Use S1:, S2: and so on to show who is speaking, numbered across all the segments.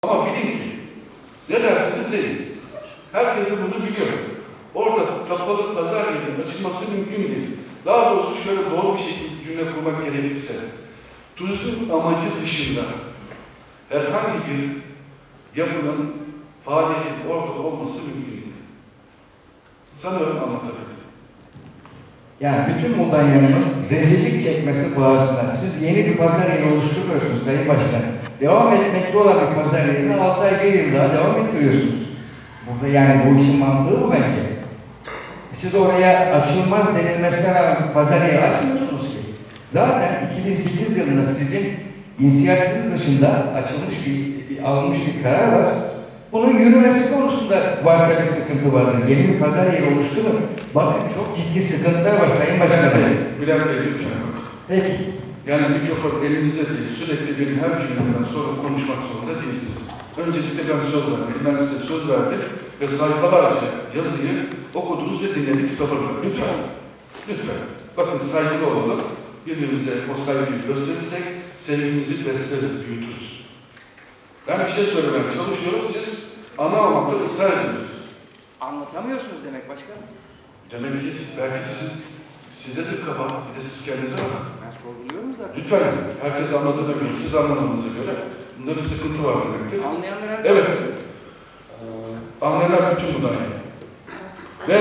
S1: Ama bilin ki ne dersiniz deyin. Herkes de bunu biliyor. Orada kapalı pazar yerinin açılması mümkün değil. Daha doğrusu şöyle doğru bir şekilde cümle kurmak gerekirse, turizm amacı dışında herhangi bir yapının faaliyetin orada olması mümkün değil. Sanırım anlatabildim.
S2: Yani bütün Mudanya'nın rezillik çekmesi pahasına siz yeni bir pazar yeri oluşturmuyorsunuz Sayın Başkan. Devam etmekte olan bir pazar yerini 6 ay 1 yıl daha devam ettiriyorsunuz. Burada yani bu işin mantığı bu bence. Siz oraya açılmaz denilmesine rağmen pazar yeri açmıyorsunuz ki. Zaten 2008 yılında sizin inisiyatifiniz dışında açılmış alınmış bir karar var. Bunun yürümesi konusunda varsa bir sıkıntı vardır. Yeni bir pazar yeri oluşturun. Bakın çok ciddi sıkıntılar var Sayın Başkanım.
S1: Bülent Bey lütfen.
S2: Peki.
S1: Yani mikrofon elinizde değil, sürekli benim her cümlemden sonra konuşmak zorunda değilsiniz. Öncelikle ben söz verdim. Ben size söz verdim ve sayfalarca yazıyı okudunuz ve dinledik sabırla. Lütfen. Lütfen. Bakın saygılı olalım. Birbirimize o saygıyı gösterirsek sevgimizi besleriz, büyütürüz. Ben bir şey söylemeye çalışıyorum, siz anlamamakta ısrar ediyorsunuz.
S3: Anlatamıyorsunuz demek başkanım.
S1: Demek ki belki sizde de kafa, bir de siz kendinize bakın.
S3: Ben sorguluyorum zaten.
S1: Lütfen, herkes anladığına göre, siz anlamanıza göre bunda bir sıkıntı var demektir.
S3: Anlayanlar
S1: Evet. Anlayanlar bütün bunlar yani. Ve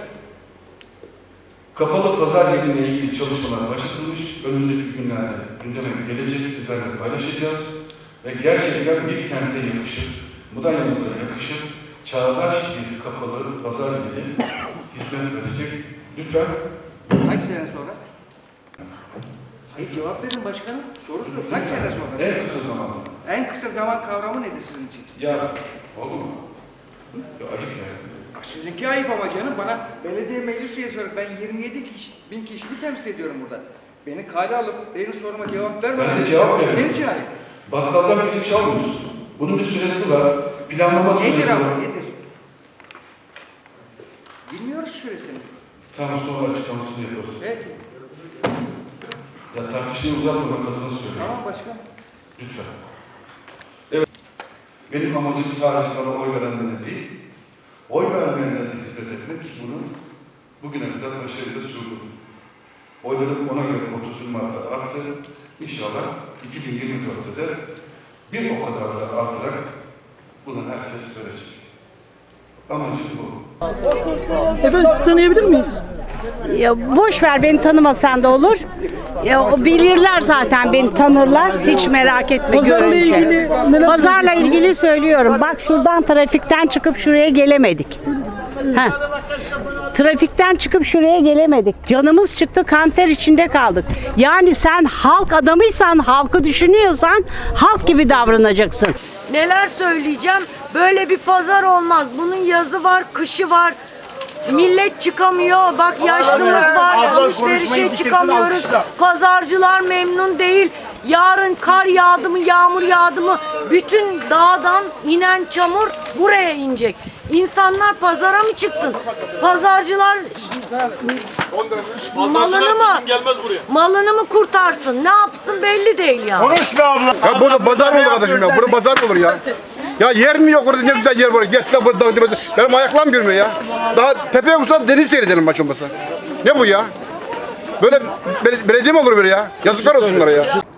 S1: kapalı pazar yeriyle ilgili çalışmalar başlatılmış. Önümüzdeki günlerde gündeme gelecek, sizlerle paylaşacağız. Ve gerçekten bir kente yakışır, Mudanya'mıza yakışır, çağdaş bir kapalı pazar yeri hizmet verecek. Lütfen.
S3: Kaç sene sonra? Hayır cevap verin başkanım. Soru sor. Kaç sene sonra?
S1: En kısa zamanda.
S3: En kısa zaman kavramı nedir sizin için?
S1: Ya, olur mu? Ya ayıp ya.
S3: Sizinki ayıp ama canım. Bana belediye meclis üyesi olarak ben 27 bin kişiyi temsil ediyorum burada. Beni kale alıp benim soruma cevap vermeden.
S1: Ben de cevap veririm.
S3: Senin için ayıp.
S1: Bakkaldan piliç çalmıyorsun. Bunun bir süresi var. Planlama süresi
S3: Nedir
S1: var.
S3: ama nedir? Bilmiyoruz süresini.
S1: Tamam, sonra açıklamasını yaparız.
S3: Peki.
S1: Ya tartışmayı uzatmamak adına söylüyorum.
S3: Tamam başkan.
S1: Lütfen. Evet. Benim amacım sadece bana oy verenlere değil, oy vermeyenlere de hizmet etmek. Bunu bugüne kadar başarıyla sürdüm. Oylarım ona göre 30 Mart'ta arttı. İnşallah 2024'te de bir o kadar da artarak bunu herkes görecek. Amacım bu.
S4: Efendim sizi tanıyabilir miyiz?
S5: Ya boş ver, beni tanımasan da olur. Ya o bilirler zaten, beni tanırlar. Hiç merak etme
S4: Pazarla
S5: görünce.
S4: ilgili neler
S5: Pazarla
S4: söyleyeceksiniz?
S5: ilgili söylüyorum. Bak şuradan trafikten çıkıp şuraya gelemedik. Heh. Trafikten çıkıp şuraya gelemedik. Canımız çıktı, kanter içinde kaldık. Yani sen halk adamıysan, halkı düşünüyorsan halk gibi davranacaksın.
S6: Neler söyleyeceğim? Böyle bir pazar olmaz. Bunun yazı var, kışı var. Millet çıkamıyor. Bak yaşlımız var. Alışverişe çıkamıyoruz. Pazarcılar memnun değil. Yarın kar yağdı mı, yağmur yağdı mı bütün dağdan inen çamur buraya inecek. İnsanlar pazara mı çıksın? Pazarcılar malını mı kurtarsın? Ne yapsın belli değil ya.
S7: Ya burada pazar mı olur kardeşim ya? Burada pazar mı olur ya? Ya yer mi yok orada, ne güzel yer var. Gel lan burada. Benim ayaklarım görmüyor ya. Daha tepeye uçsam deniz seyredelim maç olmasa. Ne bu ya? Böyle belediye mi olur böyle ya? Yazıklar olsun bunlara ya.